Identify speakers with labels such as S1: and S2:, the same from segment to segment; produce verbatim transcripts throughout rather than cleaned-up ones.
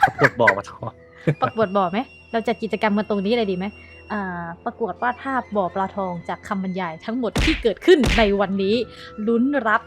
S1: ประกวดบ่อปลาทอง
S2: ประกวดบ่อไหมเราจัดกิจกรรมกันตรงนี้เลยดีไหมอ่าประกวดวาดภาพบ่อปลาทองจากคำบรรยายทั้งหมดที่เกิดขึ้นในวันนี้ลุ้นรับ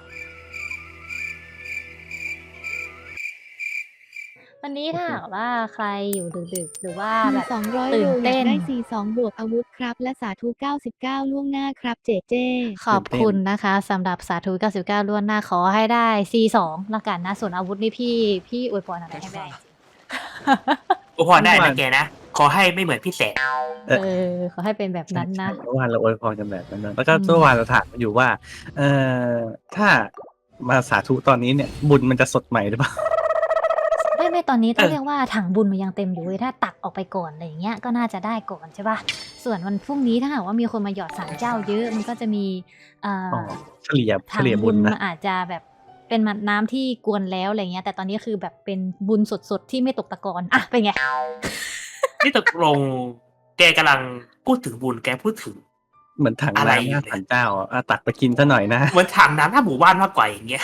S2: วันนี้ถ้าหากว่าใครอยู่ดึกๆหรือว่าแบบ
S3: สองร้อย
S2: ตื่
S3: โล
S2: น
S3: อยา
S2: เต้
S3: ก
S2: น
S3: ได้ ซี สอง บวกอาวุธครับ และสาธุ เก้าสิบเก้า ล่วงหน้าครับเจเจ
S2: ขอบคุณนะคะสำหรับสาธุ เก้าสิบเก้า ล่วงหน้าขอให้ได้ ซี สอง ละกันนะส่วนอาวุธนี่พี่พี่อวยพรอะไรให้ไม่ได้จริง
S4: โอ้พอได้นะแกนะ ขอให้ไม่เหมือนพี่แสน
S2: เออขอให้เป็นแบบนั้นนะ
S1: เมื่อวานเราอวยพรกันแบบนั้นนะแล้วก็
S2: อืม
S1: เมื่อวานเราถามอยู่ว่า เอ่อถ้ามาสาธุตอนนี้เนี่ย บุญมันจะสดใหม่หรือเปล่า
S2: ไม่ไม่ตอนนี้ต้อง
S4: เออ
S2: เรียกว่าถังบุญมันยังเต็มอยู่เว้ยถ้าตักออกไปก่อนอะไรอย่างเงี้ยก็น่าจะได้ก่อนใช่ป่ะส่วนวันพรุ่งนี้ถ้าหากว่ามีคนมาหยอดสารเจ้าเยอะมันก็จะมีเอ่อ
S1: อ๋อ
S2: อ
S1: เฉลี่ยเฉ
S2: ถัง
S1: ลี่ย
S2: บุ
S1: บุ
S2: ญ
S1: ญ
S2: มั
S1: นะ
S2: นอาจจะแบบเป็นน้ำที่กวนแล้วอะไรเงี้ยแต่ตอนนี้คือแบบเป็นบุญสดๆที่ไม่ตกตะกอนอ่ะเป็นไง
S4: นี่ตกลงแกกำลังพูดถึงบุญแกพูดถึง
S1: เหมือนถัง
S4: อะไร
S1: น้ำหน้าศาลเจ้าอ่ะอ่ะตักไปกินซะหน่อยนะ
S4: เหมือนถังน้ำหน้าหมู่บ้านมากกว่าอย่างเงี้ย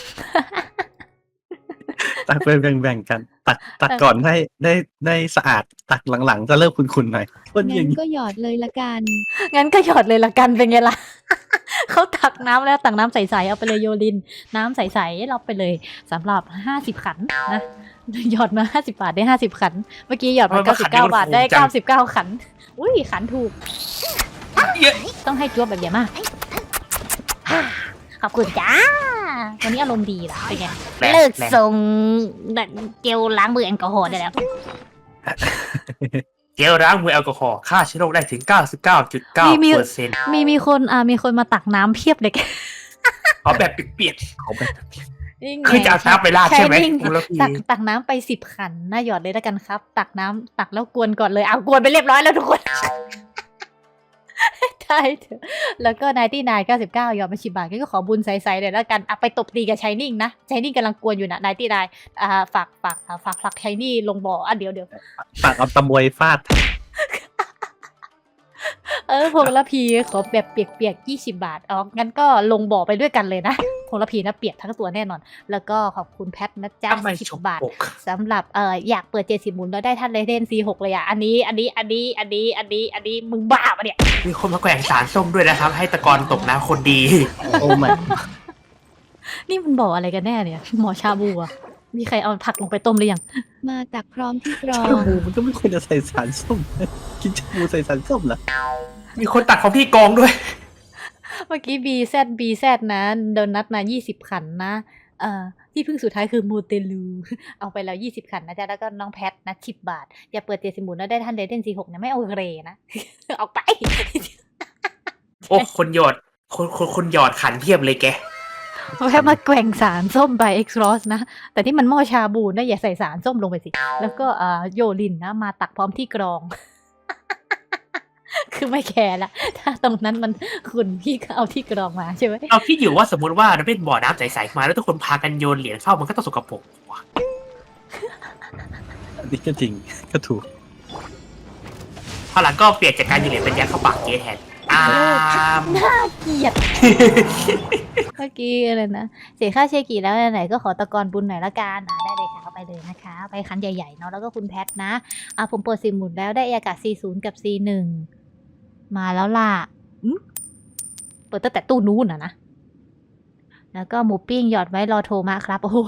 S1: ตักไปแบ่งๆกัน ตักตักก่อนได้ได้ได้สะอาด ตักหลังๆจะเริ่มขุ่นๆหน่อยคนอ
S3: งั้
S1: ย่าน งนี้
S3: ก็หยอดเลยละกัน
S2: งั้นก็หยอดเลยละกันเป็นไงล่ะ เขาตักน้ำแล้วตักน้ำใสๆเอาไปเลยโยลิน น้ำใสๆเราไปเลยสำหรับห้าสิบขันนะหยอดมาห้าสิบบาทได้ห้าสิบขัน เมื่อกี้หยอดมา
S4: มัน
S2: เก้า
S4: มา
S2: สิ
S4: ขั
S2: บ
S4: น
S2: เก้า
S4: เดียว
S2: บาท
S4: มัน
S2: ได้
S4: ถูกจัง
S2: เก้าสิบเก้าขัน อุ้ยขันถูก
S4: เยอะ
S2: ต้องให้จ้วบแบบเยอะมาก ขอบคุณจ้า วันนี้อารมณ์ดีล่ะเป็นไง
S4: แรง
S2: เลิก
S4: แรง
S2: ส่งเจลล้างมือแอลกอฮอล์ได้แล้ว
S4: เจลล้างมือแอลกอฮอล์ฆ่าเชื้อโรคได้ถึง เก้าสิบเก้าจุดเก้า
S2: มี
S4: เปอร์เซ็นต์
S2: มีมีคนอ่ามีคนมาตักน้ำเพียบเลย
S4: เอาแบบเปียก
S1: เขาแบบ
S2: นี่ไง
S4: ๆคือจะเอาน้ำไปราดใช่ไหม
S2: นิ่ง
S4: คุณละพี
S2: ตักตักน้ำไปสิบขันน่าหยอดเลยแล้วกันครับ ตักน้ำตักแล้วกวนก่อนเลยเอากวนไปเรียบร้อยแล้วทุกคน ได้เถอะแล้วก็นายที่นายเก้าสิบเก้ายอมมาชิบาทก็ขอบุญใสๆเลยแล้วกันอ่ะไปตบตีกับชายนิ่งนะชายนิ่งกำลังกวนอยู่นะนายที่นายอ่าฝากฝากอ่าฝากผลักชายนี่ลงบ่ออ่ะเดี๋ยวเดี๋ยว
S1: ตักเอาตะบวยฟาด
S2: เออพงละพีขอแบบเปียกๆยี่สิบบาทอ๋องั้นก็ลงบ่อไปด้วยกันเลยนะพงละพีนะเปียกทั้งตัวแน่นอน แล้วก็ขอบคุณแพทนะจ๊ะ
S4: ทำไม
S2: สิ
S4: ฉ
S2: บบ บาท
S4: ปก
S2: สำหรับเอ่ออยากเปิดเจ็ดสิบหมุนแล้วได้ท่านเลเดนซีหกเลยอ่ะอันนี้อันนี้อันนี้อันนี้อันนี้อันนี้มึงบ้าปะเนี่ย
S4: มีคนมาแกว่งสารส้มด้วยนะครับ ให้ตะกอนตกน้ำคนดี
S1: โอ้ไม่
S2: นี่มันบอกอะไรกันแน่เนี่ยหมอชาบูอะมีใครเอาผักลงไปต้มหรือยัง
S3: มาตักพร้อมที่กรอ
S1: ชาง บูมันก็ไม่ควรจะใส่สารส้ม กินชาบูใส่สารส้มเหรอ
S4: มีคนตัดของพี่กองด้วย
S2: เมื่อกี้ บี แซด บี แซด นะโดนัทมายี่สิบขันนะเอ่อที่พึ่งสุดท้ายคือมูเตลู เอาไปแล้วยี่สิบขันนะจ๊ะแล้วก็น้องแพทนะสิบบาท อย่าเปิดเจ็ดสิบหมุนแล้วได้ท่านเลเดนซีหกเนี่ยไม่เอาเรนะ เอาไป
S4: โอ้คนหยอดคนคนคนหยอดขันเทียบเลยแก
S2: แค่มาแกว่งสารส้มไปเอ็กซ์รอสนะ แต่ที่มันหม้อชาบูนะอย่าใส่สารส้มลงไปสิ แล้วก็เอ่อโยลินนะมาตักพร้อมที่กรอง คือไม่แคร์ละ ถ้าตรงนั้นมันคุณพี่ก็เอาที่กรองมาใช่ไหม
S4: เราคิดอยู่ว่าสมมติว่าเราเป็นบ่อน้ำใสๆมาแล้วทุกคนพากันโยนเหรียญเข้ามันก็ต้องสกปรกว่ะ
S1: อันนี้ก็จริง ก็ถูก
S4: พอหลังก็เปลี่ยนจากการโยนเหรียญเป็นยัดเข้าปากเกแทนอ้าม
S2: น่าเกลียด เมื่อกี้อะไรนะ เสียค่าเชกิแล้วไหนๆก็ขอตะกอนบุญหน่อยละกันอ่าได้เลยค่ะเอาไปเลยนะคะ ไปคันใหญ่ๆเนาะแล้วก็คุณแพทนะอ่าผมเปิดสิบหมุนแล้วได้อากาศ ซี ศูนย์ กับ ซี หนึ่ง มาแล้วล่ะอืมเปิดตั้งแต่ตู้นู้นอะนะ แล้วก็หมูปิ้งหยอดไว้รอโทรมาครับ โอ้โห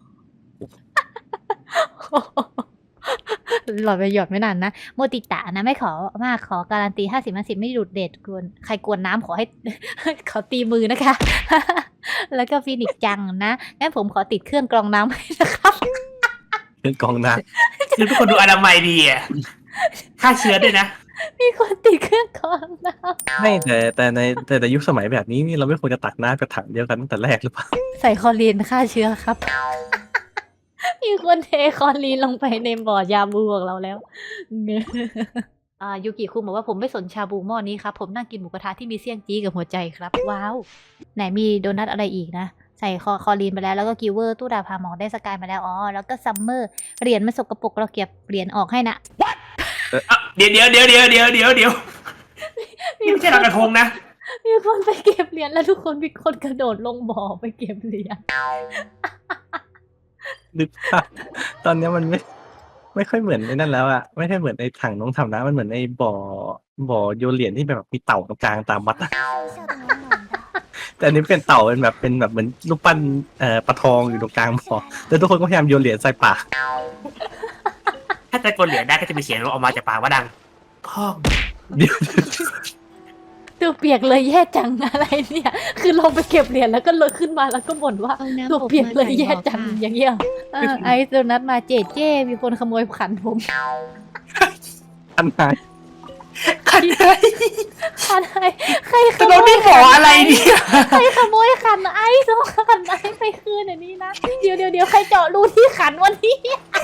S2: หลอดไปหยอดไม่นานนะ โมติตะนะไม่ขอมากขอการันตีห้าสิบห้าสิบไม่ดูดเด็ดกวนใครกวนน้ำขอให้ ขอตีมือนะคะ แล้วก็ฟินิกซ์จังนะงั้นผมขอติดเครื่องกรองน้ำให้นะครับ
S1: เครื่องกรองน้
S4: คือทุกคนดูอนามัยดีอ่ะฆ่าเชื้อด้วยนะ
S2: มีคนติดเครื่องกรองน้
S1: ำไม่แต่แต่ในแต่ในยุคสมัยแบบนี้นี่เราไม่ควรจะตักน้ำกระถังเดียวกันตั้งแต่แรกหรือเปล่า
S2: ำใส่คลอรีนฆ่าเชื้อครับ มีคนเทคลอรีนลงไปในบ่อยาบูของเราแล้ว เงอะอ่ายูกิคุงบอกว่าผมไม่สนชาบูหม้อนี้ครับ ผมนั่งกินหมูกระทะที่มีเสี่ยงจี้กับหัวใจครับ ว้าว ไหนมีโดนัทอะไรอีกนะ ใส่คอคอลีนไปแล้วแล้วก็กิวเวอร์ตู้ดาพาหมองได้สกายมาแล้วอ๋อแล้วก็ซัมเมอร์เหรียญมันสกปรกเราเก็บเหรียญออกให้นะ
S4: อ่ะเดี๋ยวเดี๋ยวเดี๋ยวเดี๋ยวเดี๋ยวเดี๋ยวเดี๋ยวนี่ไม่ใช่ลอยกระทงนะ
S2: มีคนไปเก็บเหรียญแล้วทุกคนมีคนกระโดดลงบ่อไปเก็บเหรียญ
S1: นึกภาพตอนเนี้ยมันไม่ไม่ค่อยเหมือนในนั่นแล้วอะไม่ใช่เหมือนในถังน้องทำนะมันเหมือนในบ่อบ่อโยนเหรียญที่แบบมีเต่าตรงกลางตามวัดอะแต่อันนี้เป็นเต่าเป็นแบบเป็นแบบเหมือนรูปปั้นเอ่อปลาทองอยู่ตรงกลางบ่อแล้วทุกคนก็พยายามโยนเหรียญใส่ปาก
S4: ถ้าตะโกนเหรียญได้ก็จะมีเสียงออกมาจากปากว่าดังพ่อง
S1: เดี๋ยว
S2: ตัวเปียกเลยแย่จังอะไรเนี่ย คือลงไปเก็บเหรียญแล้วก็เลยขึ้นมาแล้วก็บ่นว่า
S3: เอาน้ำ
S2: ตัว
S3: อบ
S2: เปียก
S3: มา
S2: เลย
S3: ใส่
S2: แย่
S3: บ่อ
S2: จัง
S3: ค่ะ
S2: อย่างเงี้ยเออไอซ์โดนัทมาเจเจ้มีคนขโมยขันผม
S1: อันไหน
S4: ขันเลย
S2: ขันไอใครข
S4: จะ
S2: โม
S4: โดน
S2: ย
S4: นี่หมออะไรเนี่ย
S2: ใครขโมยขันไอซ์ต้องขันไอซ์ไปคืนอันนี้นะเดี๋ยวเดี๋ยวเดี๋ยวใครเจาะรูที่ขันวันนี้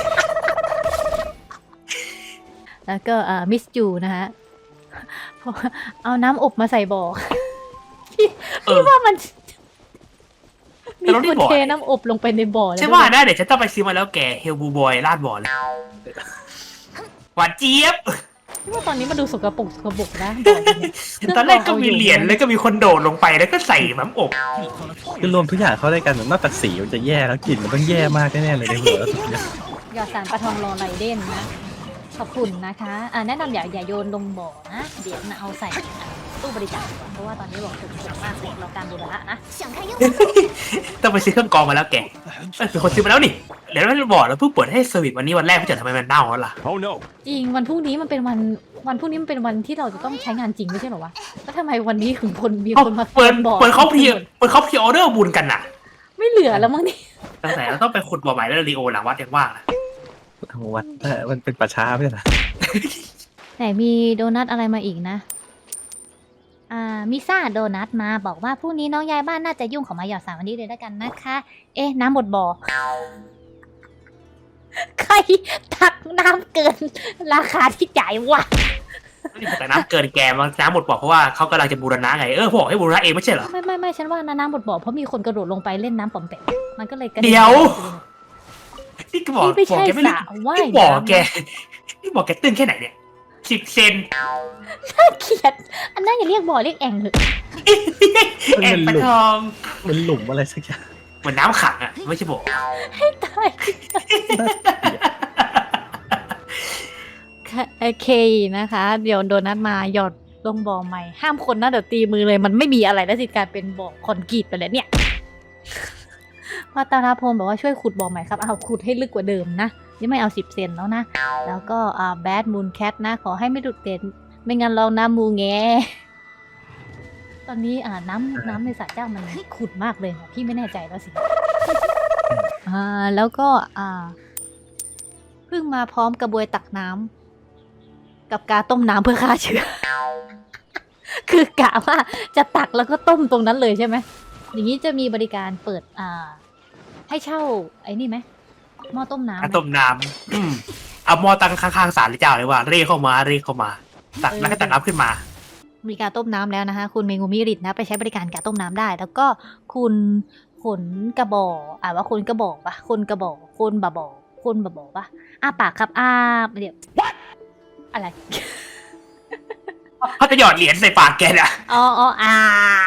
S2: แล้วก็อ่ามิสจูนะฮะเอาน้ำอบมาใส่บ่อพี่
S4: เออ
S2: พี่ว่ามันมี
S4: แต่เรา
S2: ค
S4: ได้
S2: น
S4: บ่อ
S2: เทน้ำอบลงไปในบ่อแล้ว
S4: ใช่ว่าได้เดี๋ยวฉันต้องไปซื้อมาแล้วแกเฮลบูบอยลาดบ่อเลยหวานเจี๊ยบ
S2: พี่ว่าตอนนี้มันดูสกปรกสกปรกนะบ่อเนี่ย
S4: ตอนแรกก็มีเหรียญแล้วก็มีคนโดดลงไปแล้วก็ใส่น้ำอบ
S1: คือรวมทุกอย่างเข้าด้วยกันนอกจากสีมันจะแย่แล้วกลิ่นมันต้องแย่มากแน่ๆเลยในหัวแล้วสุดยอด
S2: หยอดสารปลาทองรอไรเด่นนะ ขอบคุณนะคะอ่าแนะนำอย่าอย่าโยนลงบ่อนะ เดี๋ยวนะเอาใส่ตู้บริจาคก่อนเพราะว่าตอนนี้บอกถูกถูกมากเลยเราการบูรณะนะ
S4: ต้องไปซื้อเครื่องกรองมาแล้วแกเอ้ยเป็นคนซื้อมาแล้วนี่เดี๋ยวเราบอกแล้วเพิ่งเปิดให้เซอร์วิสวันนี้วันแรกไม่เจอทำไมมันเน่าแล้วล่ะ
S5: Oh no.
S2: จริงวันพรุ่งนี้มันเป็นวันวันพรุ่งนี้มันเป็นวันที่เราจะต้องใช้งานจริงไม่ใช่เหรอวะแล้วทำไมวันนี้ถึงคนมี
S4: เอ้า
S2: คนมา
S4: เปิด
S2: บ่อ
S4: เปิดเขาเพียเปิดเขาเพียออเดอร์บุญกันน่ะ
S2: ไม่เหลือแล้วมั้งนี่
S4: ตั้งแต่เราต้องไปขุดบ่อใหม่แล้วรีโอหลังวัดยังว่างนะ
S1: ทางวัดเออมันเป็นป่าช้าไม่ใช่เหรอ
S2: ไหนมีโดนัทอะไรมาอีกนะ อ่ามิซ่าโดนัทมาบอกว่าพรุ่งนี้น้องยายบ้านน่าจะยุ่งของมาหยอดสามวันนี้เลยแล้วกันนะคะ เอ๊ะ น้ำหมดบ่อ ใครตักน้ำเกิน ราคาที่จ่ายวะ
S4: นี่แต่น้ำเกินแกมาน้ำหมดบ่อเพราะว่าเขากำลังจะบูรณะไงเออบอกให้บูรณะเองไม่ใช่เหรอ
S2: ไม่ไม่ไม่ฉันว่าน้ำหมดบ่อเพราะมีคนกระโดดลงไปเล่นน้ำปอมแปมมันก็เลยกระน
S4: เดี๋ยว นี่ก็บอก
S2: นี่ไม่
S4: บอก
S2: ใช่
S4: แกไม่
S2: ส
S4: รู้
S2: ระว่าย
S4: นี่บอก
S2: น้ำ
S4: แกนี่บอกแกตื้นแค่ไหนเนี่ยสิบเซน
S2: น่าเกลียด อันนั้นอย่าเรียกบ่อเรียกแอ่งเถอะ
S4: แอ่งปลาทอง
S1: มันหลุมอะไรสักอย่าง
S4: เหมือนน้ำขังอ่ะไม่ใช่บ่อ
S2: ตายโอเคนะคะ เดี๋ยวโดนัทมาหยอดลงบ่อใหม่ ห้ามคนนะเดี๋ยวตีมือเลยมันไม่มีอะไรแล้วสิกลายเป็นบ่อคอนกรีตไปแล้วเนี่ยวัตนาพลบอกว่าช่วยขุดบ่อใหม่ครับเอาขุดให้ลึกกว่าเดิมนะนี่ไม่เอาสิบเซนแล้วนะ แล้วก็อ่าแบดมูนแคทนะ ขอให้ไม่ดุดเด่นไม่งั้นลองน้ำมูแงตอนนี้อ่าน้ำน้ำในสระเจ้ามันขุดมากเลยนะพี่ไม่แน่ใจแล้วสิ อ่าแล้วก็อ่าเพิ่งมาพร้อมกระบวยตักน้ำกับกาต้มน้ำเพื่อฆ่าเชื้อ คือกะว่าจะตักแล้วก็ต้มตรงนั้นเลยใช่ไหมอย่างนี้จะมีบริการเปิดอ่า ให้เช่าไอ้นี่ไหมหม้อต้มน้ำไหม
S4: ต้มน้ำอืมเอาหม้อตั้งข้างๆศาลเจ้าเลยว่าเรียกเข้ามาเรียกเข้ามา ตักแล้วก็ตักน้ำขึ้นมา
S2: มีการต้มน้ำแล้วนะคะคุณเมงูมิริตนะไปใช้บริการการต้มน้ำได้ แล้วก็คุณขนกระบอกอ่าว่าคนกระบอกปะคนกระบอกคนบะบอกคนบะบอกปะอ้าปากครับอ้าเดี๋ยวอะไร
S4: เขาจะหยอดเหรียญใส่ปากแกน่ะ
S2: อ๋ออ๋ออ่า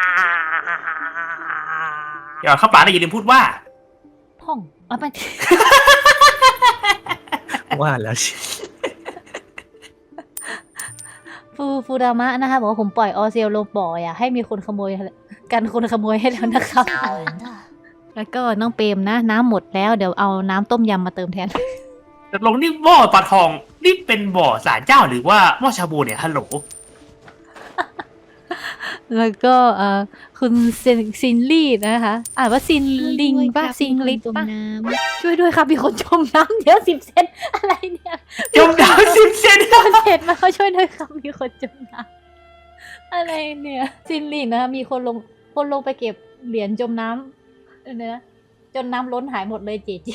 S4: หยอดเข้าปากแล้วอย่าลืมพูดว่า
S2: พ่องเอาไป
S1: ว่าแล้วสิ
S2: ฟูฟูดามะนะคะบอกว่าผมปล่อยออเซลลงบ่ออ่ะให้มีคนขโมยกันคนขโมยให้แล้วนะครับ แล้วก็น้องเปรมนะ น้ำหมดแล้วเดี๋ยวเอาน้ำต้มยำมาเติมแทน
S4: ตกลงนี่หม้อปลาทองนี่เป็นบ่อศาลเจ้าหรือว่าหม้อชาบูเนี่ยฮัลโหล
S2: แล้วก็เอ่อคุณซินซินลี่นะคะอ่านว่าซินลิงป่ะซินลิง
S3: จม
S2: ป่ะ
S3: น้
S2: ช่วยด้วยครับมีคนจมน้ำเยอะสิบเซนอะไรเนี่ย
S4: จมน้ำสิบเซน
S2: โดนเห็ดมาเขาช่วยด้วยครับมีคนจมน้ำอะไรเนี่ยซินลิงนะคะมีคนลงคนลงไปเก็บเหรียญจมน้ำเนื้อจนน้ำล้นหายหมดเลยเจเจ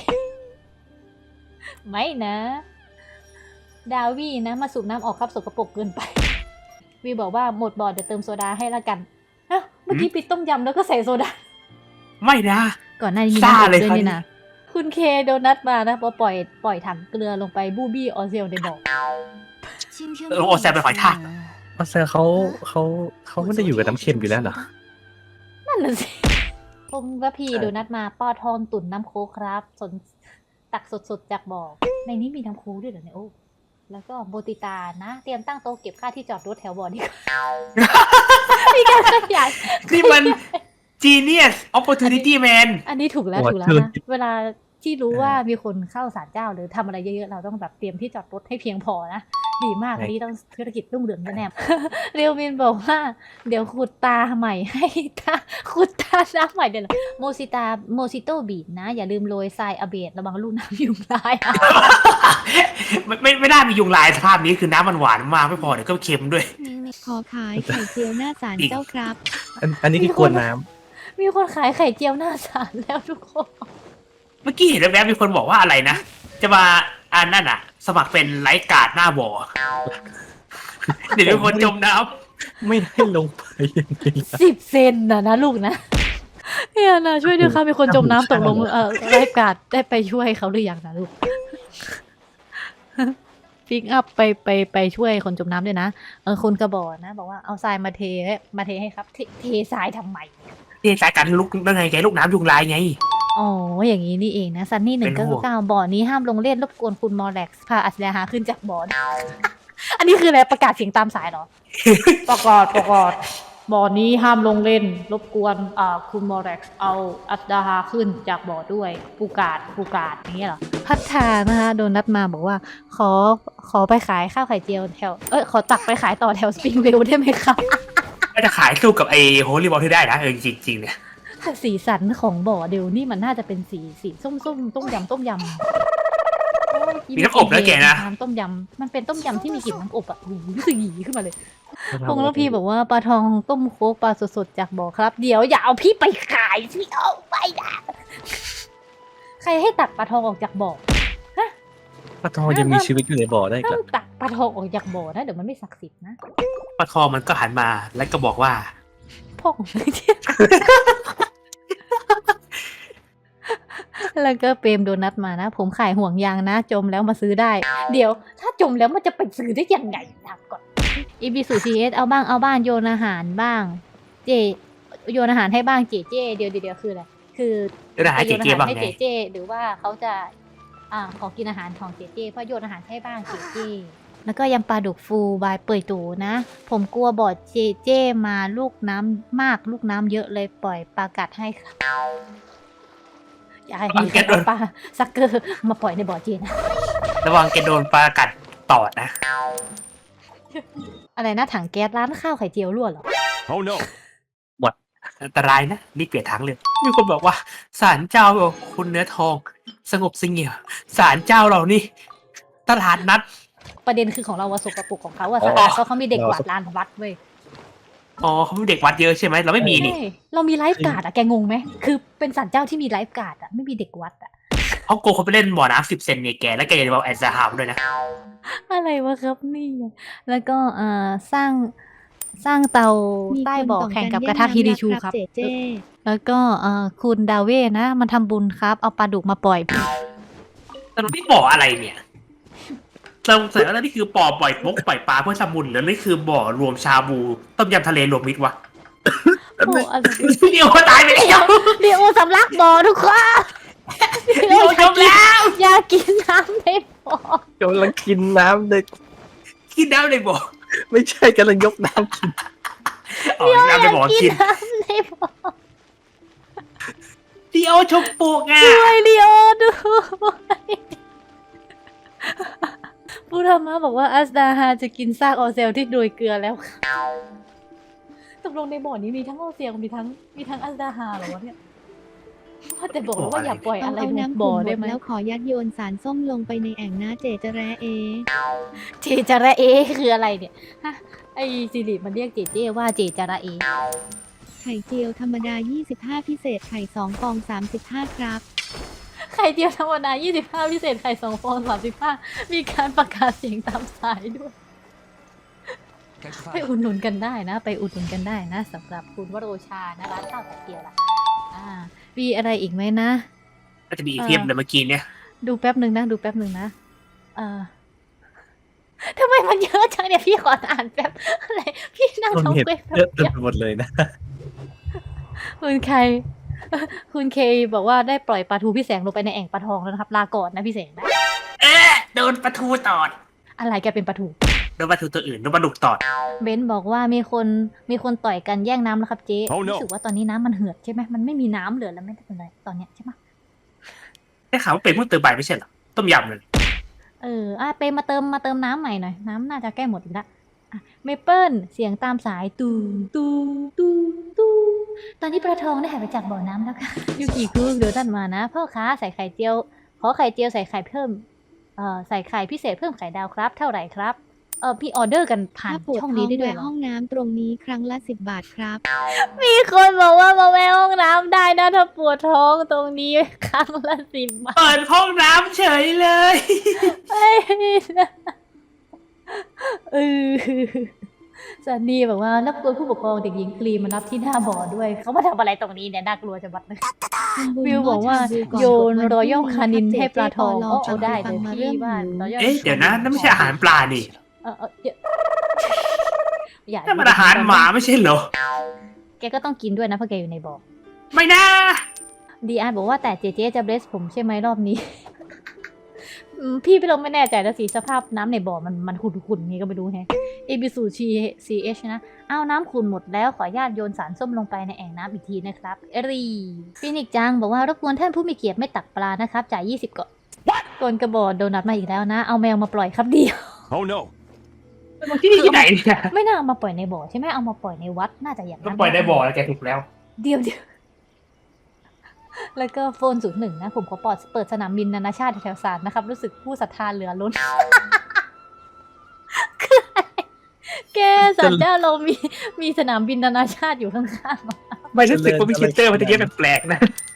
S2: ไม่นะ ดาวี่นะมาสูบน้ำออกครับสกปรกเกินไป วีบอกว่าหมดบ่อเดี๋ยวเติมโซดาให้ละกันฮะเมื่อกี้ปิดต้มยำแล้วก็ใส่โซดา
S4: ไม่นะ
S2: ก่อนหน้านี้มี
S4: ซ่า
S2: น้ำอบ
S4: เลย
S2: ด้วย
S4: ครับ
S2: นี่นะคุณเคโดนัทมานะพอปล่อยปล่อยถังเกลือลงไปบูบี้ออเซลในบ่อ
S4: เออโอแซมเป็นหอยทาก
S1: เพราะเซอร์เขาเขาเขาไม่ได้อยู่กับน้ำเค็มอยู่แล้วเหรอ
S2: นั่นน่ะสิพงระพีโดนัทมาป้อทองตุ๋นน้ำโค้กครับ สนตักสดๆจากบ่อในนี้มีน้ำพุด้วยเหรอเนี่ยโอ้แล้วก็โบติตานะ เตรียมตั้งโต๊ะเก็บค่าที่จอดรถแถวบ่อนี่ มีการขยาย
S4: นี่มัน genius opportunity man
S2: อันนี้ถูกแล้ว
S1: โอ้
S2: ถูกแล้ว
S1: ชื่อ
S2: นะเวลาที่รู้ว่ามีคนเข้าศาลเจ้าหรือทำอะไรเยอะๆเราต้องแบบเตรียมที่จอดรถให้เพียงพอนะดีมากอันนี้ต้องธุรกิจรุ่งเรืองแน่ๆ เรียวมินบอกว่า เดี๋ยวขุดตาใหม่ให้ตาขุดตาน้ำใหม่เดี๋ยวเหรอโมซิตาโมซิโตบีดนะ อย่าลืมโรยทรายอเบดระวังลูกน้ำยุงลาย
S4: ไม่ไม่ไม่ได้มียุงลายสภาพนี้คือน้ำมันหวานมากไม่พอเดี๋ยวก็เค็มด้วย
S3: ขอขายไข่เจียวหน้าศาลเจ้าครับ
S1: อันอันนี้คือกวนน้ำ
S2: มีคนขายไข่เจียวหน้าศาลแล้วทุกคน
S4: เมื่อกี้เห็นแวบๆมีคนบอกว่าอะไรนะ จะมาอันนั่นอ่ะ สมัครเป็นไลฟ์การ์ดหน้าบ่อ เดี๋ยวมีคนจมน้
S1: ไม่ได้ลงไปอย่างนี้นะ
S2: สิบเซนนะนะลูกนะเนี่ยนะช่วยด้วยค่ะมีคนจมน้ำตกลงเออไลฟ์การ์ดได้ไปช่วยเขาหรือยังนะลูก พิกอัพไปไปไปช่วยคนจมน้ำด้วยนะเออคนกระบอกนะ บอกว่าเอาทรายมาเทมาเทให้ครับเทเททรายทำไม
S4: ำที่สายการลุกได้ไงแกลูกน้ำยุงลายไง
S2: อ๋ออย่างนี้นี่เองนะซันนี่หนึ่ง
S4: เป็
S2: ก็
S4: นห่วง
S2: เก้าบ่อนี้ห้ามลงเล่นรบกวนคุณมอแร็กซ์พาอัศดาหาขึ้นจากบ่อ อันนี้คืออะไรประกาศเสียงตามสายเหรอ ประกาศประกาศบ่อนี้ห้ามลงเล่น รบกวนอ่าคุณมอแร็กซ์เอาอัศดาหาขึ้นจากบ่อด้วยปูกาดปูกาดอย่างเงี้ยเหรอพัฒนานะคะโดนนัดมาบอกว่า ขอขอไปขายข้าวไข่เจียวแถวเอ้ยขอตักไปขายต่อแถวสปริงเวลได้ไหมครับ
S4: ก็จะขายสู้กับไอ้โฮลี่บอลที่ได้นะเออจริงๆเนี่ย
S2: สีสันของบ่อเดี๋ยวนี่มันน่าจะเป็นสีสีส้มส้มต้มยำต้มยำ
S4: มีน้ำอบแล้วแกนะ
S2: น้ำต้มยำมันเป็นต้มยำที่มีกลิ่นน้ำอบอ่ะหูรู้สึกหยีขึ้นมาเลยพงษ์แล้วพี่บอกว่าปลาทองต้มโค้กปลาสดๆจากบ่อครับ เดี๋ยวอย่าเอาพี่ไปขายสิเอาไปนะใครให้ตักปลาทองออกจากบ่อ
S1: ปลาทองยังมีชีวิตอยู่ในบ่อได้
S2: ต้
S1: ก่
S2: อ
S1: อน
S2: งตักปลาทองออกจากบ่อนะเดี๋ยวมันไม่ศักดิ์สิทธิ์นะ
S4: ปลาทองมันก็หันมาแล้วก็บอกว่า
S2: พ่อของไม่เที่ย แล้วก็เปรมโดนัทมานะ ผมขายห่วงยางนะ จมแล้วมาซื้อได้ เดี๋ยว ถ้าจมแล้วมันจะไปซื้อได้ยังไงถามก่อนอีบีสูซีเอสเอาบ้างเอาบ้างโยนอาหารบ้าง เจโยนอาหารให้บ้างเจเจเดี๋ยวเดี๋ยวคืออะไรคือ
S4: เดี๋ยวหาเจเจบ้าง
S2: ให้
S4: ไง
S2: เจเจหรือว่าเขาจะอ่าขอกินอาหารของเจเจเพื่อโยนอาหารให้บ้างเจเจแล้วก็ยำปลาดุกฟูบายเปื่อยตูนะ ผมกลัวบอดเจเจมาลูกน้ำมากลูกน้ำเยอะเลยปล่อยปลากัดให้ครับอย่าให้มีใครเอาปลาซักเกอร์มาปล่อยในบ่อเจนะ
S4: ระวังแกโดนปลากัดตอดนะ
S2: อะไรนะถังแก๊สร้านข้าวไข่เจียวรั่วเหรอ
S5: Oh no.
S4: อันตรายนะรีบเปลี่ยนทางเลยมีคนบอกว่าศาลเจ้าคุณเนื้อทอง สงบเสงี่ยมศาลเจ้าเรานี่ ตลาดนัด
S2: ประเด็นคือของเราว่าสกปรกของเขาอะสะอาดเพราะเขามีเด็กกวาดลานวัดเว้ย
S4: อ๋อเขาเป็นเด็กวัดเยอะใช่ไหมเราไม่มีนี่
S2: ใช่เรามีไลฟ์การ์ดอะแกงงไหมคือเป็นศาลเจ้าที่มีไลฟ์การ์ดอะไม่มีเด็กวัดอะ
S4: เขาโกงคนไปเล่นบ่อน้ำสิบเซนเนี่ยแกแล้วแกจะบอกแอนซาฮามด้วยนะ
S2: อะไรวะครับนี่ แล้วก็เอ่อสร้างสร้างเตา
S3: มี
S2: ใต้
S3: คน
S2: บ่อ
S3: ต่อง
S2: แข่ง
S3: กัน
S2: กับ
S3: แย่
S2: กระ
S3: ง
S2: ทะ
S3: น้ำ
S2: ฮิริ
S3: รัก
S2: ชู
S3: ค
S2: ค
S3: รั
S2: รั
S3: บบ เจเจ
S2: แล้วก็เอ่อคุณดาเว่นะ มันทำบุญครับ เอาปลาดุกมาปล่อย
S4: แต่เราไม่บ่ออะไรเนี่ย เราเสร็จแล้วนี่คือบ่อปล่อยมกปล่อยปลาเพื่อทำบุญหรือนี่คือบ่อรวมชาบูต้มยำทะเลรวมมิตรวะ
S2: โอ้อะไร
S4: เดี๋ยวตายไปแล้ว
S2: เดี๋ยวสำลักบ่อทุกคน
S4: เดี๋ยวจมแล้ว
S2: อยากกินน้ำในบ่อก
S1: ำลังกินน้ำเลย
S4: กินน้ำในบ่อ
S1: ไม่ใช่กำลังยกน้ำกิน
S4: อ๋อน้ำในบ่อ
S2: กิ
S4: กิ
S2: น
S4: น
S2: น้ำในบ่อ
S4: เดี๋ยวชมปูกอ่ะ
S2: ช่วยเดียวด้วยผู้ธรรมะบอกว่าอัสดาฮาจะกินซากออเซลที่โดยเกลือแล้วค่ะตกลงในบ่อนี้มีทั้งออเซลมีทั้งมีทั้งอัสดาฮาเหรอวะเนี่ยว่าแต่บอกแล้วว่าอย่าปล่อย
S3: ต้อ
S2: อะ
S3: ง
S2: ไร
S3: เอา
S2: ลง
S3: น้ำ
S2: บ่
S3: ขุ่
S2: อน
S3: หม
S2: ได้
S3: ด
S2: ไหม
S3: แล้วขอยัดโยนสารส้มลงไปในแอ่งนะเจจะแร้เอ
S2: เจจาระเอคืออะไรเนี่ยฮะไอซิริมันเรียกเจเจว่าเจจาระเอ
S3: ไข่เจียวธรรมดา ยี่สิบห้า พิเศษไข่สองฟอง สามสิบห้า ครับ
S2: ไข่เจียวธรรมดายี่สิบห้าพิเศษไข่สองฟองสามสิบห้ามีการประกาศเสียงตามสายด้วย ไปอุดหนุนกันได้นะ ไปอุดหนุนกันได้นะสำหรับคุณวโรชานะร้านข้าวไข่เจียวล่ะอ่ามีอะไรอีกไหมนะ
S4: น่าจะมีอีกเทียบเลยเมื่อกี้เนี่ย
S2: ดูแป๊บหนึ่งนะ ดูแป๊บหนึ่งนะเออทำไมมันเยอะจังเนี่ยพี่ขออ่านแป๊บอะไรพี่นั่ง
S1: ต้น
S2: ท้อง
S1: เห็ด
S2: เว้ยแป๊บ
S1: เยอะเต็
S2: เดี
S1: ม
S2: ยว
S1: ไปหมดเลยนะ
S2: คุณใครคุณเคบอกว่าได้ปล่อยปลาทูพี่แสงลงไปในแอ่งปลาทองแล้วนะครับลาก่อนนะพี่แสงนะ
S4: เอ๊ะโดนปลาทูตอด
S2: อะไรแกเป็นปลาทู
S4: โดนปลาทูตัวอื่นโดนปลาดุกตอด
S2: เบนซ์บอกว่ามีคนมีคนต่อยกันแย่งน้ำแล้วครับเจ๊
S5: Oh no
S2: รู้สึกว่าตอนนี้น้ำมันเหือดใช่ไหมมันไม่มีน้ำเหลือแล้วไม่เป็นไรตอนเนี้ยใช่ไหม
S4: ได้ข่าวว่าเป็นเพิ่งเติมใบไม่ใช่เหรอต้มยำเลย
S2: เอออ่ะเปมาเติมมาเติมน้ำใหม่หน่อยน้ำน่าจะใกล้หมดอีกละอ่ะเมเปิลเสียงตามสายตูมตูมตูมตูมตอนนี้ปลาทองได้หายไปจากบ่อน้ำแล้วค่ะ ยูกิคุเดี๋ยวท่านมานะพ่อค้าใส่ไข่เจียวขอไข่เจียวใส่ไข่เพิ่มเอ่อใส่ไข่พิเศษเพิ่มไข่ดาวครับ เท่าไหร่ครับเออพี่ออเดอร์กันผ่าน
S3: ถ้าปวด
S2: ช่อง
S3: ท้
S2: นี้
S3: อง
S2: ได้ด้วย
S3: แวะ
S2: เหรอ
S3: ห้องน้ำตรงนี้ครั้งละสิบบาทครับ
S2: มีคนบอกว่ามาแวะห้องน้ำได้นะถ้าปวดท้องตรงนี้ครั้งละสิบบาท
S4: เปิดห้องน้ำเฉยเลย
S2: เอ้ยเออซันนี่บอกว่ารับตัวผู้ปกครองเด็กหญิงครีมมารับที่หน้าบ่อด้วย เขามาทำอะไรตรงนี้เนี่ยน่ากลัวจะบัดเลย วิวบอกว่าโยนรอยัลคานินให้ปลาทองโอ้เอาได้เลยพี่บ้านรอยัล
S4: เอ๊ะเดี๋ยวนะนั่นไม่ใช่อาหารปลานี่
S2: เออเออเดี๋ยวอย่า
S4: นั่นมันอาหารหมาไม่ใช่เหรอ
S2: แกก็ต้องกินด้วยนะเพราะแกอยู่ในบ่อ
S4: ไม่นะ
S2: ดีอาร์บอกว่าแต่เจเจจะเบรสผมใช่ไหมรอบนี้ อืมพี่พี่ลงไม่แน่ใจแล้วสิสภาพน้ำในบ่อมันมันขุ่นๆนี้ก็ไม่รู้แฮะเอบิสูชีซีเอชนะอ้าวน้ำขุ่นหมดแล้วขออนุญาตโยนสารส้มลงไปในแอ่งน้ำอีกทีนะครับเอรีฟินิกจังบอกว่ารบกวนท่านผู้มีเกียรติไม่ตักปลานะครับจ่ายยี่สิบก่อนกนกระบอกโดนัทมาอีกแล้วนะเอาแมวมาปล่อยครับเดียว
S5: Oh no
S4: มันที่นี่ที่ไหนเนี่ย
S2: ไม่น่าเอามาปล่อยในบ่อใช่ไหมเอามาปล่อยในวัดน่าจะอย่าง
S4: มั
S2: นั้น น
S4: ปล่อยได้บ่อแล้วแกถูกแล้ว
S2: เดียวเดียวแล้วก็โฟนศูนย์หนึ่งนะผมขอปอดเปิดสนามบินนานาชาติแถวสารนะครับ รู้สึกผู้ศรัทธาเหลือล้น คืออะไรแกสันเจ้าเรามีมีสนามบินนานาชาติอยู่ข้างๆ
S4: ไม่รู้สึกว่ามีเชนเตอร์มันจะเยอะแปลกๆนะ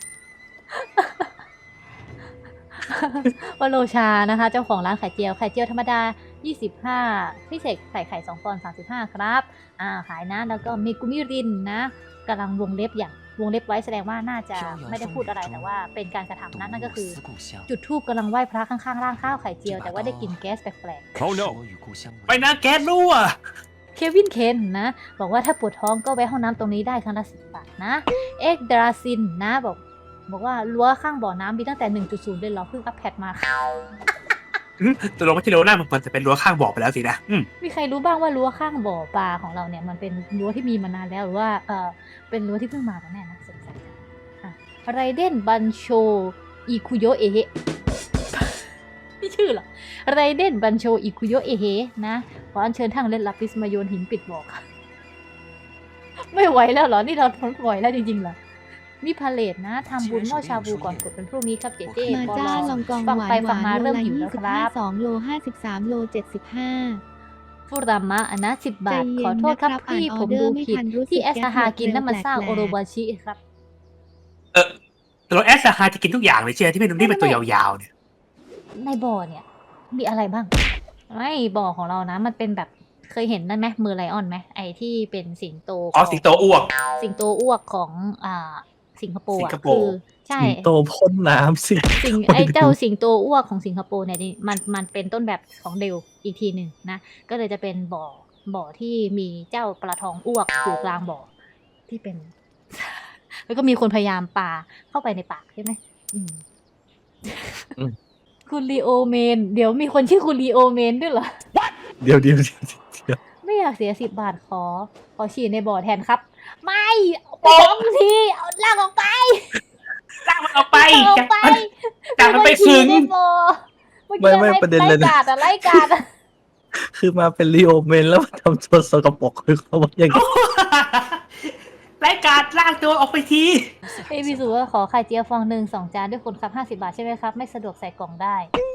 S2: วโรชานะคะ เจ้าของร้านไข่เจียวไข่เจียวธรรมดายี่สิบห้าพิเศษใส่ไข่สองฟองสามสิบห้าครับอ่าขายนะแล้วก็มีกุมิรินนะกำลังวงเล็บอย่างวงเล็บไว้แสดงว่าน่าจะไม่ได้พูดอะไรแต่ว่าเป็นการกระทำนั้นนั่นก็คือ จุดธูปกำลังไหว้พระข้างๆร่างข้าวไข่เจียวแต่ว่าได้กลิ่นแก๊สแปลก
S5: Oh no
S4: ไปนะแก๊สรั่ว
S2: ๆเควินเคนนะบอกว่าถ้าปวดท้องก็แวะห้องน้ำตรงนี้ได้ครั้งละสิบบาทนะเอ็กดราซินนะบอกบอกว่ารั้วข้างบ่อน้ำมีตั้งแต่ หนึ่งจุดศูนย์ เลยเหรอเพิ่งอัปเดตมาค่ะ
S4: ตัวลงมาที่โรน่ามันจะเป็นรั้วข้างบ่อไปแล้วสินะอืม
S2: มีใครรู้บ้างว่ารั้วข้างบ่อปลาของเราเนี่ยมันเป็นรั้วที่มีมานานแล้วหรือว่าเออเป็นรั้วที่เพิ่งมากันแน่นะสงสัยจังอ่ะไรเดนบันโชอิคุโยเอะเฮ นี่ชื่อเหรอไรเดนบันโชอิคุโยเอะเฮนะขออัญเชิญทั้งเล่นลาปิสมาโยนหินปิดบ่อค่ะ ไม่ไหวแล้วเหรอนี่เราทนไหวแล้วจริงๆเหรอมีพาเลทนะทำบุญหม้อชาบูก่อนกดเป็นพรุ่งนี้ครับเจเจ
S3: มา
S2: ปอ
S3: จ้า
S2: ล
S3: ลองกอง
S2: ฟัง
S3: หวาน
S2: ไป
S3: ห
S2: ฟัง
S3: วาน
S2: มา
S3: โล
S2: เริ่ม
S3: ละ
S2: หิว
S3: ยี่
S2: แล้ว
S3: สิ
S2: ค
S3: บห้า
S2: รับ
S3: สองโลห้าสิบสามโลเจ็ดสิบห้า
S2: ฟูรามะอันนะสิบบาท
S3: ใจเย็น
S2: ขอโทษครับ
S3: นะครับ
S2: พี่
S3: อ่าน
S2: ผม
S3: ออเดอ
S2: ดู
S3: ร์ไม่
S2: ผิด
S3: ทันรู้สึก
S2: ที่แอส
S3: แก๊ส
S2: ฮากิน
S3: หมด
S2: น้ำมันสร้าง
S3: แปลกๆ
S2: โอโรบาชิครับ
S4: เออแต่เราแอสซาฮาจะกินทุกอย่างเลยเชียที่เป็นนี่เป็นตัวยาวๆเนี่ย
S2: ในบ่อเนี่ย มีอะไรบ้างไม่บ่อของเรานะ มันเป็นแบบเคยเห็นนั่นไหมมือไลออนไหมไอที่เป็นสิงโต
S4: อ๋อสิงโตอ้วก
S2: สิงโตอ้วกของอ่าสิงคโปร์
S4: สิ
S2: อะ
S4: งคโป
S2: คื
S4: ร์
S2: อใช่
S1: สิงโตพ่นน้ำสิ
S2: สิงไอเจ้าสิงโตอ้วกของสิงคโปร์เนี่ยนี่มันมันเป็นต้นแบบของเดลอีกทีหนึ่งนะ ก็เลยจะเป็นบ่อบ่อที่มีเจ้าปลาทองอ้วกอยู่กลางบ่อที่เป็น แล้วก็มีคนพยายามปาเข้าไปในปากใช่ไหมอืม
S1: อืม
S2: คุณลีโอเมน เดี๋ยวมีคนชื่อคุณลีโอเมนด้วยเหรอ
S1: เดี๋ยวเดี๋ยวเดี๋ยวเดี๋ยว
S2: ไม่อยากเสียสิบบาทขอ ขอฉีดในบ่อแทนครับ ไม่เอาไปสองทีเอาลากออกไป
S4: ลากมันออกไป
S2: ลากออกไป
S4: จากมันไปซึ้ง
S2: ฉีดในบ่อเมื่อกี้อะไรไล่กาดอะไล่กาดอะ
S1: คือมาเป็นลีโอเมนแล้วมาทำตัวสกปรกคือเขาว่าอย่างนี้
S4: รายการลากตัวออกไปที
S2: เอยพี่สุว่าขอไข่เจียวฟองหนึ่งสองจานด้วยคนครับห้าสิบาทใช่ไหมครับ ไม่สะดวกใส่กล่องได้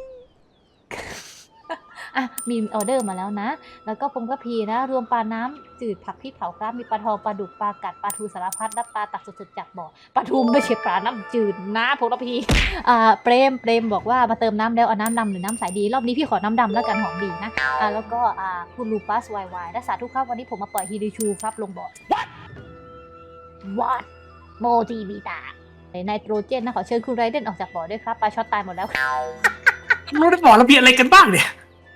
S2: อ่ะมีออเดอร์มาแล้วนะ แล้วก็ผมก็พีนะ รวมปลาน้ำจืดผักพริกเผาครับ มีปลาทองปลาดุกปลากัดปลาทูสารพัดและปลาตักสดๆจากบ่อปลาทูไม่ใช่ปลาน้ำจืดนะผมก็พีอ่าเปรมเปรมบอกว่ามาเติมน้ำแล้วเอาน้ำดำหรือน้ำใสดี รอบนี้พี่ขอน้ำดำแล้วกันหอมดีนะอ่าแล้วก็อ่าคุณลูปัสวายวายและสาธุครับวันนี้ผมมาปล่อยฮิริชูครับลงบ่อ What โมจิบิตาไนโตรเจนนะขอเชิญคุณไรเดนออกจากบ่อด้วยครับปลาช็อตตายหมดแล้วครับ
S4: รู้ได้บอกเรามีอะไรกันบ้างเนี่ย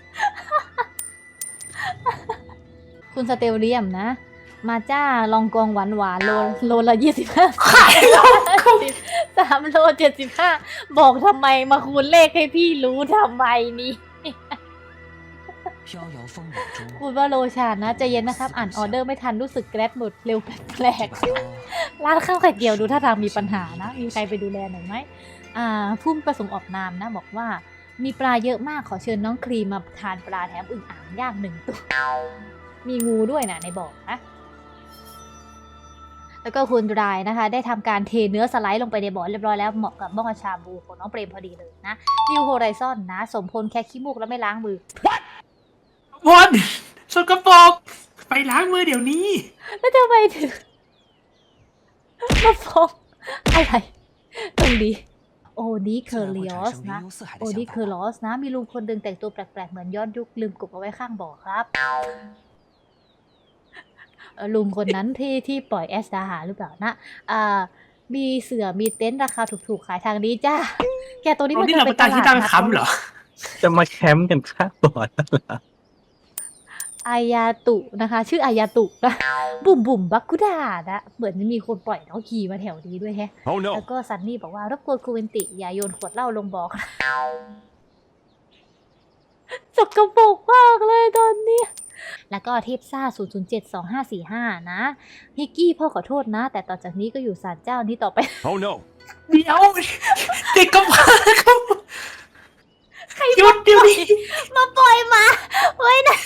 S2: คุณสเตลเลียมนะ มาจ้าลองกองหวานหวานๆโลโลละยี่สิบห้า
S4: ขายแล้ว
S2: สิบสามโลเจ็ดสิบห้าบอกทำไมมาคูณเลขให้พี่รู้ทำไมนี่ คุณว่าโลชานะใจเย็นนะครับอ่านออเดอร์ไม่ทันรู้สึกแกรดหมดเร็วแปลกๆร้านข้าวไข่เจียวดูท่าทางมีปัญหานะมีใครไปดูแลหน่อยไหมอ่าผู้ประสงค์ออกนามนะบอกว่ามีปลาเยอะมากขอเชิญน้องครีมมาทานปลาแถมอึ่งอ่างย่างหนึ่งตัวมีงูด้วยนะในบ่อนะแล้วก็คุณรายนะคะได้ทำการเทเนื้อสไลด์ลงไปในบ่อเรียบร้อยแล้วเหมาะกับบ้องชาบูของน้องเปรมพอดีเลยนะนิวโฮไรซอนนะสมพลแค่ขี้มูกแล้วไม่ล้างมือ
S4: วนสกปรกไปล้างมือเดี๋ยวนี้
S2: แล้วทำไมถึงมาฟ้องอะไรตรงนี้โอดีเคอร์ลิออสนะโอดีเคอร์ลอสนะมีลุงคนหนึ่งแต่งตัวแปลกๆเหมือนย้อนยุคลืมกบเอาไว้ข้างบ่อครับเอ่อลุงคนนั้นที่ที่ปล่อยแอสดาหาหรือเปล่านะอ่ามีเสือมีเต็นท์ราคาถูกๆขายทางนี้จ้าแกตัวนี้
S4: ตร
S2: มั
S4: ง
S2: น
S4: นี้
S2: จะ
S4: เรา
S2: เป็
S4: เป็น นการที่ตั้งค้ำเหรอ
S1: จะมาแคมป์กันข้างบ่อนั่นเหรอ
S2: อายาตุนะคะ ชื่ออายาตุนะบุ่มบุ่มบักกุดานะเหมือนมีคนปล่อยน้องขี่มาแถวนี้ด้วยแฮะ
S5: Oh no
S2: แล้วก็ซันนี่บอกว่ารบกวนคูเวนติอย่าโยนขวดเหล้าลงบ่อครับสกปรกมากเลยตอนนี้ แล้วก็เทพซ่า ศูนย์ ศูนย์ เจ็ด สอง ห้า สี่ ห้า นะฮิกกี้พ่อขอโทษนะ แต่ต่อจากนี้ก็อยู่ศาลเจ้านี้ต่อไป
S5: Oh no
S4: เดี๋ยวเด็กกำพร้าเขาหยุดเดี๋ยวนี้
S2: มาปล่อยมาไว้นะ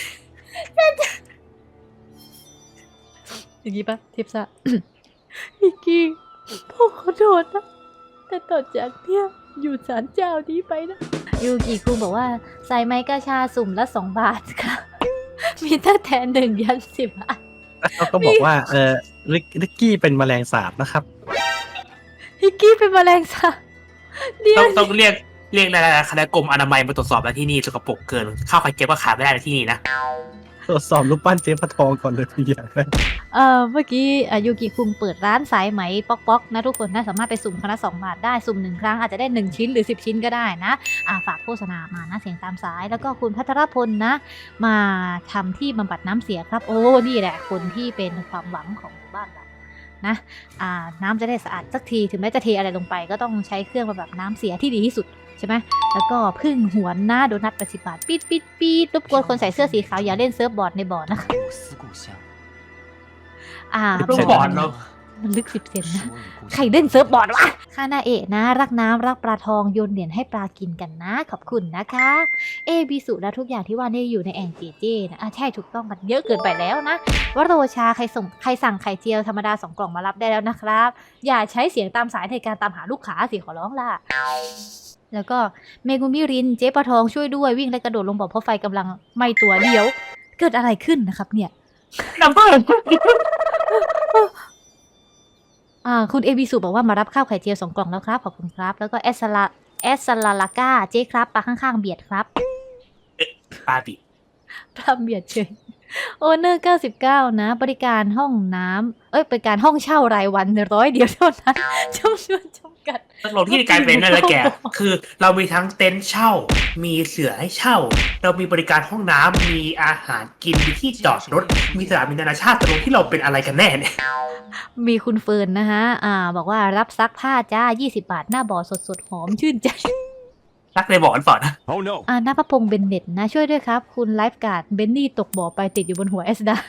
S2: อย่างนี้ปะเทพซ่า ฮิกกี้พ่อขอโทษนะ แต่ต่อจากเนี้ยอยู่ศาลเจ้านี้ไปนะ ยูกิคุงบอกว่าใส่ไม้กระชาสุ่มละสองบาทค่ะ มีตั้งแต่หนึ่งยันสิบบาท
S1: แล้วเขาก็บอกว่าเออลิกลิกกี้เป็นแมลงสาบนะครับ
S2: ฮิกกี้เป็นแมลงสาบเดี๋ย
S4: ต้
S2: ว
S4: องต้องเรียกเรียกอะไรนะคณะกรมอนามัยมาตรวจสอบแล้วที่นี่สกปรกเกินข้าวไข่เจียวก็ขายไม่ได้ในที่นี่นะ
S1: ตรวจสอบรูปปั้นเจ๊พระทองก่อนเลยทีอย่างแรก
S2: เอ่อเมื่อกี้อ่ะยูกิคุงเปิดร้านสายไหมป๊อกป๊อกนะทุกคนนะสามารถไปสุ่มคณะสองบาทได้สุ่มหนึ่งครั้งอาจจะได้หนึ่งชิ้นหรือสิบชิ้นก็ได้นะอ่าฝากโฆษณามานะเสียงตามสายแล้วก็คุณพัทรพลนะ มาทำที่บำบัดน้ำเสียครับโอ้นี่แหละคนที่เป็นความหวังของหมู่บ้านเรานะอ่าน้ำจะได้สะอาดสักทีถึงแม้จะเทอะไรลงไปก็ต้องใช้เครื่องบำบัดน้ำเสียที่ดีที่สุดใช่ไหมแล้วก็พึ่งหวนหน้าโดนัทแปดสิบบาทปีดปีดปีดรบกวนคนใส่เสื้อสีขาวอย่าเล่นเซิร์ฟบอร์ดในบ่อนะคะอ่า
S4: รูปบอร์ดเนาะ
S2: มันลึกสิบเซนนะใครเล่นเซิร์ฟบอร์ดวะคานาเอะนะ รักน้ำรักปลาทองโยนเหรียญให้ปลากินกันนะ ขอบคุณนะคะ เอบิสุและทุกอย่างที่ว่านี่อยู่ในแองจีเจนะอ่ะใช่ถูกต้องมันเยอะเกินไปแล้วนะวโรชาใครส่งใครสั่งไข่เจียวธรรมดาสองกล่องมารับได้แล้วนะครับ อย่าใช้เสียงตามสายในการตามหาลูกค้าสิขอร้องล่ะ แล้วก็เมกุมิรินเจ๊ปลาทองช่วยด้วยวิ่งและกระโดดลงบ่อเพราะไฟกำลังไหม้ตัวเดียว เกิดอะไรขึ้นนะครับเนี่ย
S4: น้ำเพิ่ม
S2: อ่าคุณเอบิสุบอกว่ามารับข้าวไข่เจียวสองกล่องแล้วครับขอบคุณครับ แล้วก็แอสซาลาแอสซาลาลาก้าเจ๊ครับปลาข้างๆเบียดครับ
S4: ปาปิ
S2: ปลาเบียดเฉยโอเนอร์เก้าสิบเก้านะ บริการห้องน้ำเอ้ยบริการห้องเช่ารายวันร้อยเดียวเท่านั้นจำนวนจำกัด
S4: ตกลงที่กลายเป็นนั่นแหละแก คือเรามีทั้งเต็นท์เช่า มีเสือให้เช่า เรามีบริการห้องน้ำมีอาหารกิน มีที่จอดรถ มีสนามบินนานาชาติตกลงที่เราเป็นอะไรกันแน่เนี่ย
S2: มีคุณเฟิร์นนะฮะอ่า บอกว่ารับซักผ้าจ้ายี่สิบบาทหน้าบ่อสดๆหอมชื่นใจ
S4: รักในบ่อกันต่อนะ
S5: Oh no
S2: อ่าหน้าพระพงษ์เบนเน็ตนะช่วยด้วยครับ คุณไลฟ์การ์ดเบนนี่ตกบ่อไปติดอยู่บนหัวเอสดา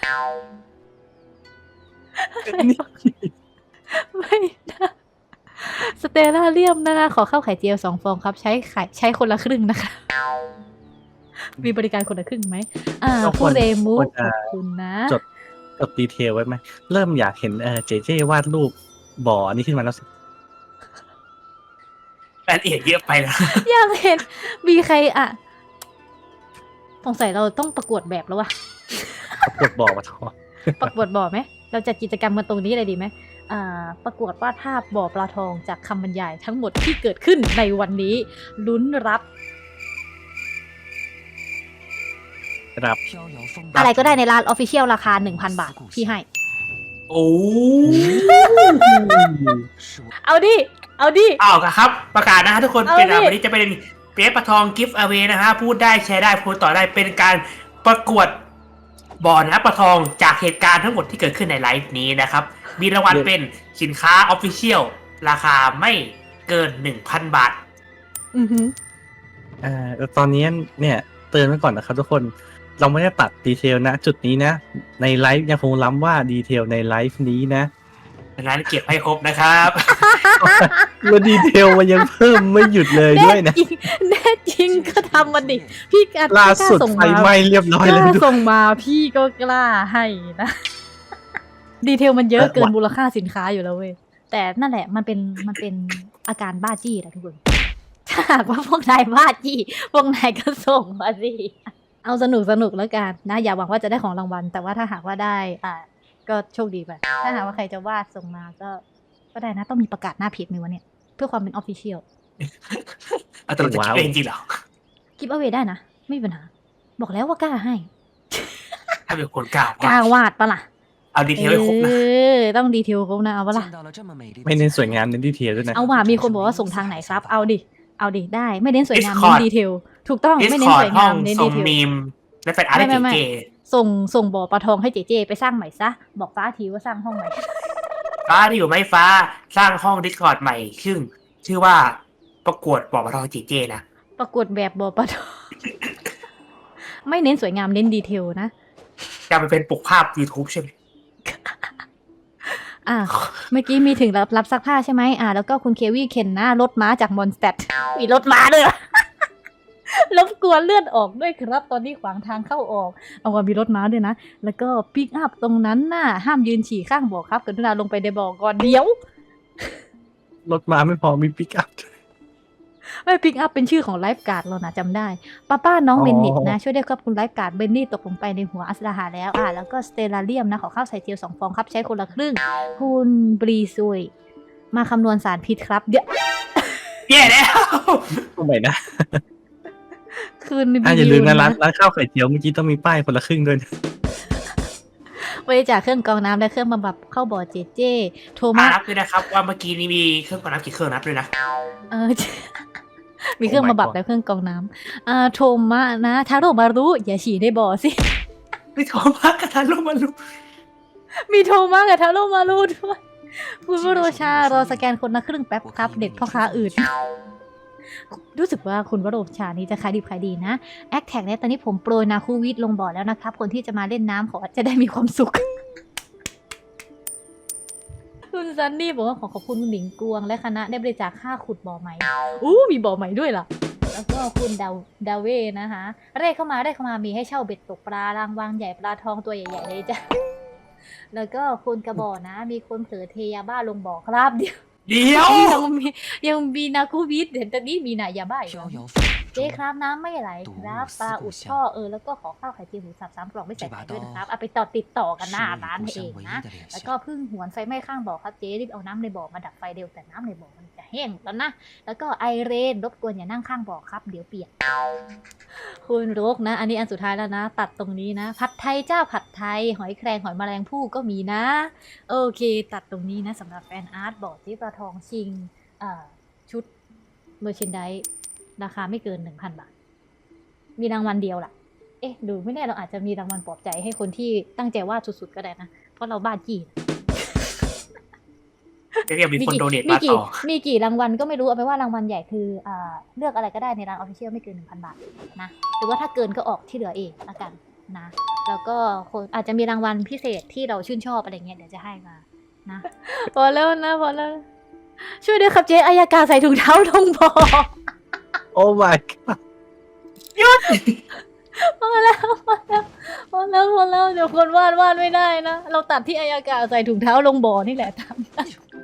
S2: ไม่นะสเตลล่าเลียมนะคะขอข้าวไข่เจียวสองฟองครับ ใช้ไข่ใช้คนละครึ่งนะคะ มีบริการคนละครึ่งไหมอ่า
S1: ก็ควร
S2: ผู้เรมู
S1: ควร
S2: ข
S1: จะ
S2: อบคุณนะ
S1: จดจดดีเทลไว้ไหมเริ่มอยากเห็นเออเจเจวาดรูปบ่ออันนี้ขึ้นมาแล้วสิ
S4: รายละเอียดเยอะไปแล้ว
S2: อยากเห็น มีใครอ่ะสงสัยเราต้องประกวดแบบแล้ววะ
S1: กดบ่อมาทอ
S2: ประกวดบ่อไหม เราจัดกิจกรรมกันตรงนี้เลยดีไหมอ่า ประกวดวาดภาพบ่อปลาทองจากคำบรรยายทั้งหมดที่เกิดขึ้นในวันนี้ ลุ้นรับ
S1: ครับ
S2: อะไรก็ได้ในร้านออฟฟิเชียลราคา หนึ่งพัน บาท พี่ให้
S4: โอ้
S2: เอาดิ เอาดิ
S4: อ้าวครับ ประกาศนะฮะทุกคน
S2: เอา
S4: เป็นอ่ะ
S2: ดิ
S4: วันนี้จะเป็นเปี๊ยะปะทองกิฟต์อเวนะฮะพูดได้แชร์ได้พูดต่อได้เป็นการประกวดบ่อนะปะทองจากเหตุการณ์ทั้งหมดที่เกิดขึ้นในไลฟ์นี้นะครับ มีรางวัลเป็นสินค้าออฟฟิเชียลราคาไม่เกินหนึ่งพันบาท
S2: อือหือ
S1: อ่าแล้วตอนนี้เนี่ยเตือนไว้ก่อนนะครับทุกคนเราไม่ได้ตัดดีเทลนะ จุดนี้นะ ในไลฟ์ยังคงล้ำว่าดีเทลในไลฟ์นี้นะ
S4: ดังนั้นเก็บให้ครบนะครับ
S1: แล้วดีเทลมันยังเพิ่มไม่หยุดเลยด้วยนะ
S2: แน่จริงแน่จริงก็ทำมันดิพี่กล้า
S1: ล่าสุด
S2: ส่ง
S1: ไฟ
S2: มา
S1: ไหม้เรียบร้อย
S2: ก
S1: เลย
S2: ล้า
S1: ด้วย
S2: ส่งมาพี่ก็กล้าให้นะ ดีเทลมันเยอะ
S1: เออ
S2: เกิน
S1: ว่ะ
S2: มูลค่าสินค้าอยู่แล้วเว้ยแต่นั่นแหละมันเป็นมันเป็นอาการบ้าจี้แหละทุกคนถ้าหากว่าพวกนายบ้าจี้พวกนายก็ส่งมาสิเอาสนุกสนุกแล้วกันนะอย่าหวังว่าจะได้ของรางวัลแต่ว่าถ้าหากว่าได้อ่าก็โชคดีไปถ้าหากว่าใครจะวาดส่งมาก็ก็ได้นะต้องมีประกาศหน้าเพจมีวะเนี่ยเพื่อความเป็นออฟฟิเชียล
S4: เอาแต่เราจะคิดเองจริงเหรอ
S2: กิฟต์เอาไว้ได้นะ ไม่มีปัญหา บอกแล้วว่ากล้าให้
S4: ถ้าเป็นคนกล้าก
S2: ล้าวาดปะล่ะ
S4: เอาดีเทลให้ครบนะ
S2: เออต้องดีเทลครบนะเอาปะล่ะ
S1: ไม่เน้นสวยงามเน้นดีเทลด้วยนะ
S2: เอาว่ามีคนบอกว่าส่งทางไหนครับ เอาดิ เอาดิได้ ไม่เน้นสวยงาม
S4: Discord
S2: เน้นดีเทล ถูกต้อง
S4: ดิส
S2: ไม่
S4: ค
S2: เน้น
S4: อร์
S2: ส
S4: ด
S2: วย
S4: ห้
S2: งา
S4: อง
S2: มเน้น
S4: ส่
S2: ดี
S4: ง
S2: เทล
S4: มีมและเป็นอาร์ต
S2: ไม่ไม่
S4: เก๋
S2: ส่งส่งบ่อปลาทองให้เจเจไปสร้างใหม่ซะ บอกฟ้าทีว่าสร้างห้องใหม่
S4: ๆฟ้าที่อยู่ไม่ฟ้าสร้างห้องดิสคอร์ดใหม่ซึ่งชื่อว่าประกวดบอกมาทองจีเจนะ
S2: ประกวดแบบบ่อปลาทอง ไม่เน้นสวยงามเน้นดีเทลนะ
S4: จะไปเป็นปกภาพ YouTube ใช่ไหม
S2: อ่ะเมื่อกี้มีถึงรับรับซักผ้าใช่ไหมอ่ะแล้วก็คุณเควี่เข็นหน้ารถม้าจากมอนสเตดมีรถม้าด้วยเหรอ รบกวนเลื่อนออกด้วยครับ ตอนนี้ขวางทางเข้าออก เอาว่ามีรถม้าด้วยนะ แล้วก็ปิกอัพตรงนั้นน่ะห้ามยืนฉี่ข้างบ่อครับกรุณาลงไปในบ่อก่อนเดี๋ยว
S1: รถมาไม่พอมีปิกอัพ
S2: ไม่ปิกอัพเป็นชื่อของไลฟ์การ์ดเรานะจำได้ป้าป้าน้อง
S1: อ๋อ
S2: เบนนิตนะ ช่วยได้ครับคุณไลฟ์การ์ดเบนนี่ตกลงไปในหัวอัสดาหาแล้วอ่ะแล้วก็สเตลาเรียมนะขอข้าวใส่เจียวสองฟองครับใช้คนละครึ่ง คุณบรีซุยมาคำนวณสารพิษครับเดี๋ยว
S4: แย่แล้ว
S1: ทำไมนะ
S2: คืน
S1: อ่ะอย่าลืมนะร้าน
S2: นะ
S1: ร้านข้าวไข่เจียวเมื่อกี้ต้องมีป้ายคนละครึ่งด้วยนะ
S2: บริจาคเครื่องกรองน้ำและเครื่องบำบัดเข้าบ่อเจเจ โท
S4: มา
S2: มัส
S4: นับด้วยนะครับว่าเมื่อกี้นี้มีเครื่องกรองน้ำกี่เครื่องนับด้วยนะ
S2: เออ มีเครื่อง
S1: Oh my
S2: บำบัด
S1: God
S2: และเครื่องกรองน้ำอ่าโทมะนะทาโร่มารุอย่าฉี่ในบ่อสิ
S4: ไม่โทรมากระทันลงมาลุก
S2: มีโทมะกับทาโร่มารุด้วยคุณวโรชารอสแกนคนละครึ่งแป๊บครับ เด็กพ่อค้าอื่น รู้สึกว่าคุณวโรชานี้จะขายดีขายดีนะแอคแท็กเนี่ยตอนนี้ผมโปรยนาคูวิทลงบ่อแล้วนะครับ คนที่จะมาเล่นน้ำขอจะได้มีความสุข คุณซันนี่บอกว่าขอขอบคุณคุณหมิงกวง และคณะได้บริจาคค่าขุดบ่อใหม่ อู้มีบ่อใหม่ด้วยล่ะ แล้วก็คุณดาวดาเว่นะคะเร่เข้ามาเร่เข้ามามีให้เช่าเบ็ดตกปลารางวางใหญ่ปลาทองตัวใหญ่ๆเลยจ้ะ แล้วก็คุณกระบอกนะ มีคนเผลอเทยาบ้าลงบ่อครับเดี๋ยว
S4: เดี๋ยว
S2: ยังมียังมีนาคูวิทเห็นตอนนี้มีนายาบ้าอีกแล้วเจ๊ครับน้ำไม่ไหลครับปลาอุดท่อเออแล้วก็ขอข้าวไข่เจียวหมูสับสามกล่องไม่ใส่ไข่ด้วยนะครับเอาไปต่อติดต่อกันหน้าร้านเองนะแล้วก็เพึ่งหวนไฟไหม้ข้างบ่อครับเจ๊รีบเอาน้ำในบ่อมาดับไฟเร็วแต่น้ำในบ่อมันจะแห้งแล้วนะแล้วก็ไอเรนรบกวนอย่านั่งข้างบ่อครับเดี๋ยวเปียกคุณโรกนะ อันนี้อันสุดท้ายแล้วนะ ตัดตรงนี้นะผัดไทยเจ้าผัดไทยหอยแครงหอยแมลงภู่ก็มีนะ โอเค ตัดตรงนี้นะสำหรับแฟนอาร์ตบอกที่ปลาทองชิงชุดเมอร์เชนไดราคาไม่เกินหนึ่งพันบาท มีรางวัลเดียวล่ะ เอ๊ะ ดูไม่แน่เราอาจจะมีรางวัลปลอบใจให้คนที่ตั้งใจวาดสุดๆก็ได้นะ เพราะเราบ้าจี้
S4: เดี๋ยวมีคนโดเนท
S2: มี
S4: มา
S2: กี่
S4: ต่อ
S2: มีกี่รางวัลก็ไม่รู้เอาไปนว่ารางวัลใหญ่คืออ่าเลือกอะไรก็ได้ในร้านออฟฟิเชียลไม่เกินหนึ่งพันบาทนะหรือว่าถ้าเกินก็ออกที่เหลือเองละกันนะ แล้วก็คนอาจจะมีรางวัลพิเศษที่เราชื่นชอบอะไรเงี้ยเดี๋ยวจะให้มานะ พอแล้วนะพอแล้ว ช่วยด้วยครับเจ๊อายากาใส่ถุงเท้าลงบ่อ
S1: โอ้ my god
S2: พอแล้วพอแล้วพอแล้วพอแล้วเดี๋ยวคนวาดวาดไม่ได้นะเราตัดที่อายากาใส่ถุงเท้าลงบ่อนี่แหละทำ